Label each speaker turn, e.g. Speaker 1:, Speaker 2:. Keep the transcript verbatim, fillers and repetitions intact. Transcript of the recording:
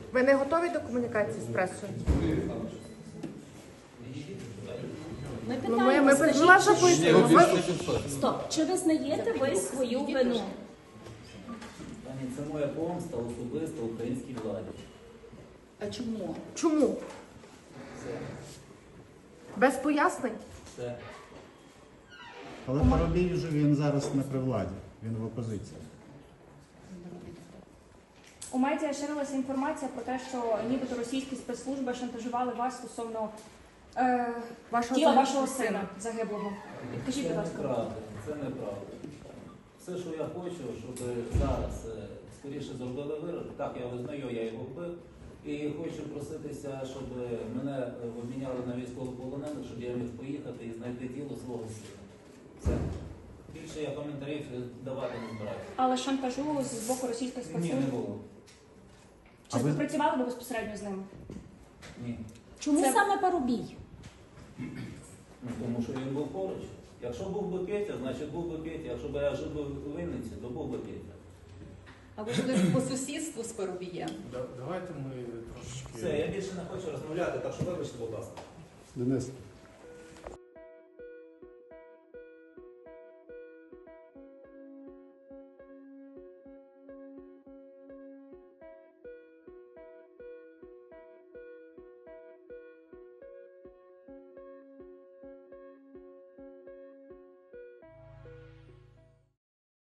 Speaker 1: Ви не готові до комунікації з пресою?
Speaker 2: Ми
Speaker 1: Ну, ми,
Speaker 2: питаємо,
Speaker 1: ми,
Speaker 2: скажіть,
Speaker 1: ми ваша
Speaker 2: чи-
Speaker 1: позиція. Ми-
Speaker 2: Стоп, чи визнаєте ви свою вину?
Speaker 3: Пані, це моя помста особисто українській владі.
Speaker 2: А чому?
Speaker 1: Чому?
Speaker 3: Все.
Speaker 1: Без пояснень?
Speaker 3: Все.
Speaker 4: Але Парубій вже він зараз не при владі, він в опозиції.
Speaker 5: У медіа ширилася інформація про те, що нібито російські спецслужби шантажували вас стосовно е,
Speaker 1: Вашого
Speaker 5: тіла
Speaker 1: сина.
Speaker 5: вашого сина загиблого. Підкажіть,
Speaker 3: Це
Speaker 5: будь ласка.
Speaker 3: неправда, це неправда. Все, що я хочу, щоб зараз е, скоріше зробили вирок. Так, я визнаю, я його вбив. І хочу проситися, щоб мене е, обміняли на військовополонених, щоб я міг поїхати і знайти тіло свого сина. Все. Більше я коментарів давати не збираюся.
Speaker 5: Але шантажу з боку російських
Speaker 3: Ні, не
Speaker 5: спецслужб.
Speaker 3: було.
Speaker 5: Чи
Speaker 4: А ви-
Speaker 5: працювали ви безпосередньо з ними?
Speaker 3: Ні.
Speaker 2: Чому
Speaker 5: Це-
Speaker 2: саме Парубій?
Speaker 3: Ну, тому що він був поруч. Якщо був би Петя, значить був би Петя. Якщо б я жив би в Вінниці, то був би Петя.
Speaker 6: А ви жили по сусідству з Парубієм?
Speaker 7: Да- Давайте ми трошечки.
Speaker 3: Все, я більше не хочу розмовляти, так що вибачте, будь ласка.
Speaker 4: Денис,